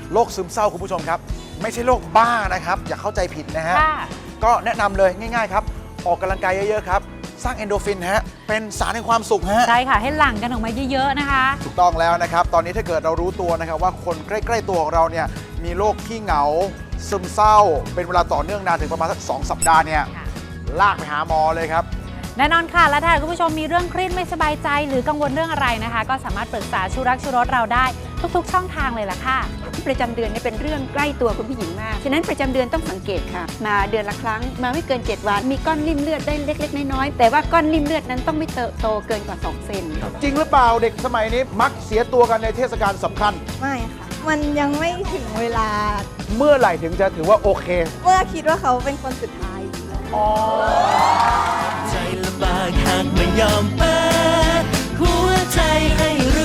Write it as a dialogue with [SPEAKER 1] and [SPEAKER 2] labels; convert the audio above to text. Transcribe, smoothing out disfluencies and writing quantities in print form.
[SPEAKER 1] โรคซึมเศร้าคุณผู้ชมครับไม่ใช่โรคบ้านะครับอย่าเข้าใจผิดนะฮะ
[SPEAKER 2] ค่ะ
[SPEAKER 1] ก็แนะนำเลยง่ายๆครับออกกำลังกายเยอะๆครับสร้างเอนโดรฟินฮะเป็นสารแห่งความสุขฮะ
[SPEAKER 2] ใช่ค่ะให้หลั่งกันออกมาเยอะๆนะคะ
[SPEAKER 1] ถูกต้องแล้วนะครับตอนนี้ถ้าเกิดเรารู้ตัวนะครับว่าคนใกล้ๆตัวของเราเนี่ยมีโรคขี้เหงาซึมเศร้า เป็นเวลาต่อเนื่องนานถึงประมาณสัก2 สัปดาห์เนี่ย
[SPEAKER 2] ค่ะ
[SPEAKER 1] ลากไปหาหมอเลยครับ
[SPEAKER 2] แน่นอนค่ะ และถ้าคุณผู้ชมมีเรื่องเครียดไม่สบายใจหรือกังวลเรื่องอะไรนะคะ ก็สามารถปรึกษาชูรักชูรสเราได้ทุกๆช่องทางเลยล่ะค่ะ
[SPEAKER 3] ประจำเดือนเนี่ยเป็นเรื่องใกล้ตัวคุณผู้หญิงมาก ฉะนั้นประจำเดือนต้องสังเกตค่ะ มาเดือนละครั้ง มาไม่เกิน 7 วัน มีก้อนริ่มเลือดได้เล็กๆน้อยๆ แต่ว่าก้อนริ่มเลือดนั้นต้องไม่โตเกินกว่า 2 เซน
[SPEAKER 1] จริงหรือเปล่าเด็กสมัยนี้มักเสียตัวกันในเทศกาลสำคัญ
[SPEAKER 4] ไม่ค่ะ มันยังไม่ถึงเวลา
[SPEAKER 1] เมื่อไหร่ถึงจะถือว่าโอเค
[SPEAKER 4] เมื่อคิดว่าเขาเป็นคนสุดท้าย
[SPEAKER 5] ใจลำบากหากไม่ยอมเปิดหัวใจให้